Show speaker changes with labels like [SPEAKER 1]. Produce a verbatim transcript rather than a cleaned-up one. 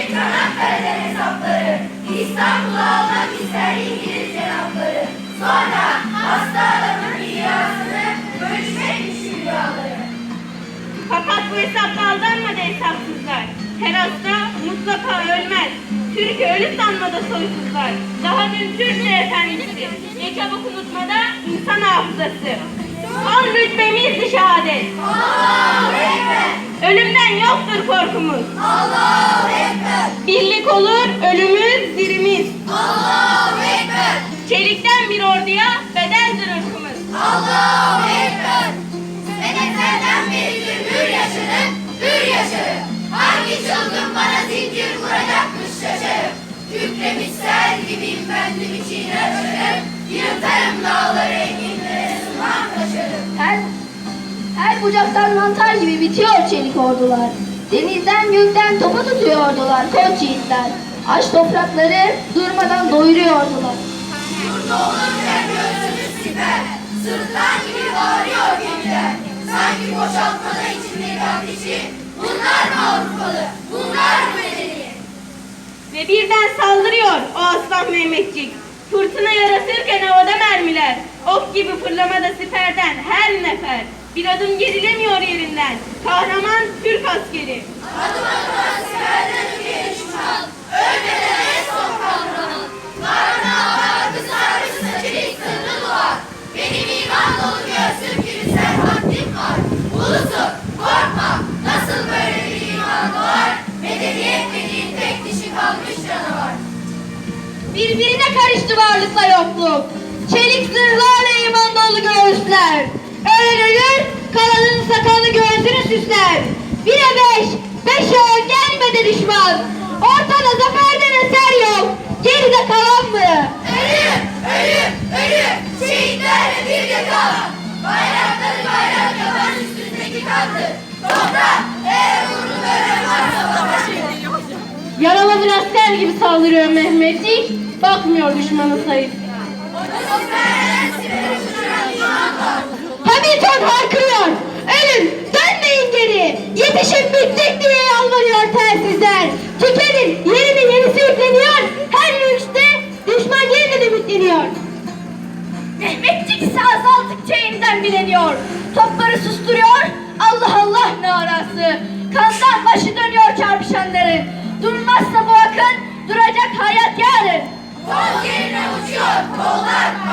[SPEAKER 1] Çanakkale'den hesapları, İstanbul'a almak ister İngiliz cenapları. Sonra hasta adamın dünyasını bölüşmekmiş rüyaları.
[SPEAKER 2] Fakat bu hesapla aldanmadı hesapsızlar. Her hasta mutlaka ölmez. Türk'ü ölü sanmada soysuzlar. Daha dün Türkiye efendisi. Ne çabuk unutmada insan hafızası. Son rütbemizdi şehadet.
[SPEAKER 1] Allahu Ekber!
[SPEAKER 2] Ölümden yoktur korkumuz.
[SPEAKER 1] Allahu Ekber!
[SPEAKER 2] Birlik olur ölümüz dirimiz.
[SPEAKER 1] Allahu Ekber!
[SPEAKER 2] Çelikten bir orduya bedeldir ırkımız.
[SPEAKER 1] Allahu Ekber! Senetlerden beridir hür yaşarım, hür yaşarım. Hangi çılgın bana zincir vuracakmış şaşarım. Kükremiş sel gibiyim bendim içine açarım. Yırtarım dağları enginlere sığmam taşarım.
[SPEAKER 3] Her, her bucaktan mantar gibi bitiyor çelik ordular. Denizden gökten topa tutuyordular koç yiğitler. Aç toprakları durmadan doyuruyordular.
[SPEAKER 1] Yurda olunca göğsümüz siper, sırtlan gibi bağırıyor gemiler. Sanki boşaltmada içindeki ateşi. Bunlar mı Avrupalı, bunlar mı medeni?
[SPEAKER 2] Ve birden saldırıyor o aslan Mehmetçik. Fırtına yarasırken havada mermiler. Ok gibi fırlamada siperden her nefer. Bir adım gerilemiyor yerinden. Kahraman Türk askeri.
[SPEAKER 1] Adım adım askerden ülkeye düşman, ölmeden en son kahraman. Karnına hava kızarmışsa çelik sırrı duvar. Benim iman dolu göğsüm gibi serhatim var. Ulusum korkma, nasıl böyle bir iman doğar? Medeniyet dediğin tek dişi kalmış canavar.
[SPEAKER 3] Birbirine karıştı varlıkla yokluk. Çelik zırhlarla iman dolu göğüsler. Ölen ölür, kalanın sakallı göğsünü süsler. Bire beş, beşe on gelmedi düşman. Ortada zaferden eser yok. Geride kalan mı?
[SPEAKER 1] Ölüm, ölüm, ölüm, şehitlerle birlikte kalan. Bayrakları bayrak yapan üstündeki kandır. Toprak, eğer uğruna ölen varsa savaşın.
[SPEAKER 2] Yaralı bir asker gibi saldırıyor Mehmetçik. Bakmıyor düşmanın sayısı.
[SPEAKER 1] O siperden siperi uçuran iman var.
[SPEAKER 3] Hamilton haykırıyor. Ölün, dönmeyin geri. Yetişin bittik diye yalvarıyor telsizler. Tükenin, yerine yenisi yükleniyor. Her yürüyüşte düşman yeniden ümitleniyor. Mehmetçik ise azaldıkça yeniden bileniyor. Topları susturuyor. Allah Allah narası. Kandan başı dönüyor çarpışanların. Durmazsa bu akın duracak hayat yarın.
[SPEAKER 1] Kol yerine uçuyor, kollar